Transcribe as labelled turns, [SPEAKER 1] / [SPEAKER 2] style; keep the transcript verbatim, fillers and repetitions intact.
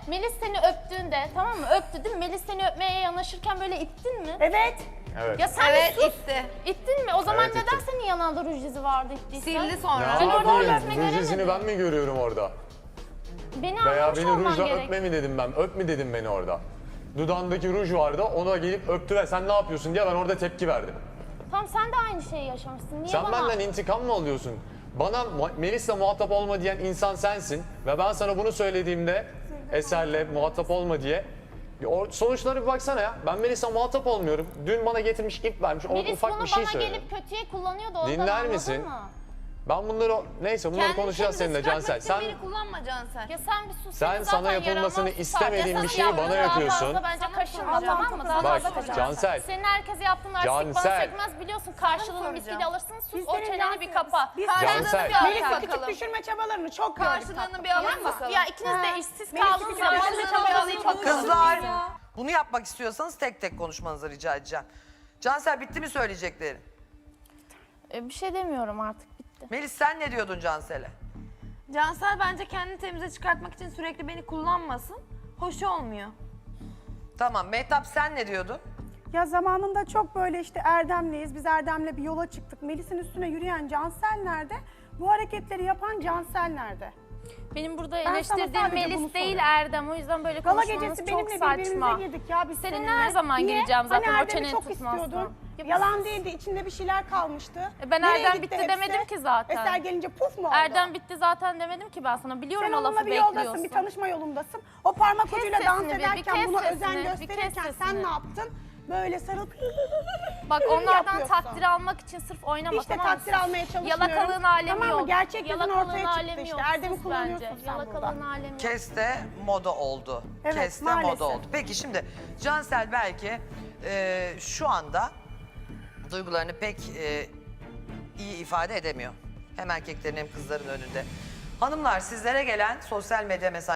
[SPEAKER 1] Melis seni öptüğünde, tamam mı? Öptü değil mi? Melis seni öpmeye yanaşırken böyle ittin mi?
[SPEAKER 2] Evet.
[SPEAKER 3] Evet.
[SPEAKER 1] Ya sen
[SPEAKER 4] Evet
[SPEAKER 1] bir sus.
[SPEAKER 4] itti.
[SPEAKER 1] İttin mi? O zaman
[SPEAKER 3] Evet,
[SPEAKER 1] neden
[SPEAKER 3] ittim.
[SPEAKER 1] senin yanağında ruj izi vardı ittiysen?
[SPEAKER 4] Sildi sonra.
[SPEAKER 1] Ben orada
[SPEAKER 3] yapayım?
[SPEAKER 1] öpme
[SPEAKER 3] Ruj izini
[SPEAKER 1] göremedim.
[SPEAKER 3] ben mi görüyorum orada?
[SPEAKER 1] Beni
[SPEAKER 3] Veya
[SPEAKER 1] anlamış
[SPEAKER 3] beni
[SPEAKER 1] olman
[SPEAKER 3] rujla
[SPEAKER 1] gerek.
[SPEAKER 3] öpme mi dedim ben? Öp mi dedim beni orada? Dudağındaki ruj vardı, ona gelip öptü ve sen ne yapıyorsun diye ben orada tepki verdim.
[SPEAKER 1] Tamam sen de aynı şeyi yaşamışsın. Niye
[SPEAKER 3] Sen
[SPEAKER 1] bana?
[SPEAKER 3] benden intikam mı alıyorsun? Bana Mu- Melis'le muhatap olma diyen insan sensin ve ben sana bunu söylediğimde Eser'le muhatap olma diye o sonuçlara bir baksana ya. Ben Melis'le muhatap olmuyorum. Dün bana getirmiş ip vermiş. O
[SPEAKER 1] Melis
[SPEAKER 3] ufak
[SPEAKER 1] bunu
[SPEAKER 3] bir şey
[SPEAKER 1] bana
[SPEAKER 3] söyledi.
[SPEAKER 1] gelip kötüye kullanıyordu. Ondan
[SPEAKER 3] Dinler
[SPEAKER 1] anladın
[SPEAKER 3] misin?
[SPEAKER 1] mı?
[SPEAKER 3] Ben bunları neyse bunları
[SPEAKER 4] Kendini
[SPEAKER 3] konuşacağız
[SPEAKER 4] kendine
[SPEAKER 3] seninle
[SPEAKER 4] çıkartmak
[SPEAKER 3] Cansel.
[SPEAKER 4] için
[SPEAKER 3] Sen
[SPEAKER 4] beni kullanma Cansel.
[SPEAKER 1] Ya sen bir sus.
[SPEAKER 3] Sen
[SPEAKER 1] senin
[SPEAKER 3] sana
[SPEAKER 1] zaten
[SPEAKER 3] yapılmasını
[SPEAKER 1] yaranmaz tutar.
[SPEAKER 3] istemediğin
[SPEAKER 1] Ya
[SPEAKER 3] bir
[SPEAKER 1] sana
[SPEAKER 3] şeyi bana
[SPEAKER 1] yaptığı daha
[SPEAKER 3] yapıyorsun.
[SPEAKER 1] fazla bence kaşınma
[SPEAKER 2] Allah'ım
[SPEAKER 1] tamam mı?
[SPEAKER 2] çok
[SPEAKER 1] Daha
[SPEAKER 3] bak
[SPEAKER 1] fazla kaşınma.
[SPEAKER 3] Cansel.
[SPEAKER 1] Senin herkese yaptığın artistik bana
[SPEAKER 3] Cansel.
[SPEAKER 1] sökmez biliyorsun. Karşılığını
[SPEAKER 4] soracağım.
[SPEAKER 1] misliyle alırsın. Sus
[SPEAKER 2] Biz
[SPEAKER 1] o
[SPEAKER 2] senin
[SPEAKER 1] çeneni bir
[SPEAKER 2] Cansel-
[SPEAKER 1] kapa.
[SPEAKER 2] Biz
[SPEAKER 3] Cansel.
[SPEAKER 4] bir
[SPEAKER 2] Melis'i
[SPEAKER 4] alın
[SPEAKER 2] küçük
[SPEAKER 4] bakalım.
[SPEAKER 2] düşürme çabalarını çok gördük.
[SPEAKER 4] Karşılığını bir
[SPEAKER 1] Tamam
[SPEAKER 4] alın
[SPEAKER 1] mı?
[SPEAKER 4] bakalım.
[SPEAKER 1] Ya ikiniz de
[SPEAKER 2] Ha.
[SPEAKER 1] işsiz
[SPEAKER 2] Melis'i
[SPEAKER 1] kaldığınız
[SPEAKER 2] küçük
[SPEAKER 1] zaman
[SPEAKER 2] düşürme
[SPEAKER 1] bir
[SPEAKER 2] çabalarını
[SPEAKER 1] çabalarını
[SPEAKER 2] çok
[SPEAKER 1] bakalım.
[SPEAKER 5] Kızlar bunu yapmak istiyorsanız tek tek konuşmanızı rica edeceğim. Cansel bitti mi söyleyeceklerin?
[SPEAKER 1] E, bir şey demiyorum artık bitti.
[SPEAKER 5] Melis sen ne diyordun Cansel'e?
[SPEAKER 4] Cansel bence kendini temize çıkartmak için sürekli beni kullanmasın. Hoş olmuyor.
[SPEAKER 5] Tamam Mehtap sen ne diyordun?
[SPEAKER 2] Ya zamanında çok böyle işte Erdem'leyiz. Biz Erdem'le bir yola çıktık. Melis'in üstüne yürüyen Cansel nerede? Bu hareketleri yapan Cansel nerede?
[SPEAKER 1] Benim burada
[SPEAKER 2] Ben sana
[SPEAKER 1] eleştirdiğim
[SPEAKER 2] sadece bunu
[SPEAKER 1] Melis değil
[SPEAKER 2] soruyorum.
[SPEAKER 1] Erdem. O yüzden böyle
[SPEAKER 2] Gala
[SPEAKER 1] konuşmanız
[SPEAKER 2] gecesi
[SPEAKER 1] çok
[SPEAKER 2] benimle
[SPEAKER 1] saçma.
[SPEAKER 2] birbirimize girdik ya biz
[SPEAKER 1] Seninle
[SPEAKER 2] seninle.
[SPEAKER 1] her zaman
[SPEAKER 2] Niye?
[SPEAKER 1] gireceğim zaten,
[SPEAKER 2] hani
[SPEAKER 1] o
[SPEAKER 2] Erdem'i
[SPEAKER 1] çeneni
[SPEAKER 2] çok
[SPEAKER 1] tutmazsan.
[SPEAKER 2] istiyordun.
[SPEAKER 1] Ya
[SPEAKER 2] Yalan değildi, içinde bir şeyler kalmıştı.
[SPEAKER 1] E ben
[SPEAKER 2] Nereye
[SPEAKER 1] Erdem
[SPEAKER 2] gitti
[SPEAKER 1] bitti
[SPEAKER 2] hepsi?
[SPEAKER 1] demedim ki zaten.
[SPEAKER 2] Eser gelince puf mu oldu?
[SPEAKER 1] Erdem bitti zaten demedim ki ben sana. Biliyorum
[SPEAKER 2] Sen
[SPEAKER 1] o
[SPEAKER 2] onunla
[SPEAKER 1] lafı
[SPEAKER 2] bir
[SPEAKER 1] bekliyorsun.
[SPEAKER 2] yoldasın, bir tanışma yolundasın. O parmak
[SPEAKER 1] Kes
[SPEAKER 2] ucuyla dans
[SPEAKER 1] sesini bir, bir
[SPEAKER 2] ederken
[SPEAKER 1] kes
[SPEAKER 2] buna
[SPEAKER 1] sesini,
[SPEAKER 2] özen
[SPEAKER 1] bir kes
[SPEAKER 2] gösterirken sen
[SPEAKER 1] sesini.
[SPEAKER 2] ne yaptın? Böyle sarılıp
[SPEAKER 1] Bak onlardan
[SPEAKER 2] yapıyorsun.
[SPEAKER 1] takdir almak için sırf oynama
[SPEAKER 2] İşte
[SPEAKER 1] tamam mı?
[SPEAKER 2] takdir almaya çalışmıyorum.
[SPEAKER 1] Yalakalığın alemi
[SPEAKER 2] Tamam mı?
[SPEAKER 1] yok.
[SPEAKER 2] Gerçek yüzün
[SPEAKER 1] Yalakalığın
[SPEAKER 2] ortaya çıktı
[SPEAKER 1] alemi
[SPEAKER 2] işte.
[SPEAKER 1] yok.
[SPEAKER 2] Erdem'i
[SPEAKER 1] Sus
[SPEAKER 2] kullanıyorsun
[SPEAKER 1] bence.
[SPEAKER 2] sen
[SPEAKER 1] Yalakalığın
[SPEAKER 2] burada.
[SPEAKER 1] alemi yok.
[SPEAKER 5] Keste moda oldu.
[SPEAKER 2] Evet,
[SPEAKER 5] Keste
[SPEAKER 2] maalesef.
[SPEAKER 5] moda oldu. Peki şimdi Cansel belki e, şu anda duygularını pek e, iyi ifade edemiyor. Hem erkeklerin hem kızların önünde. Hanımlar sizlere gelen sosyal medya mesajları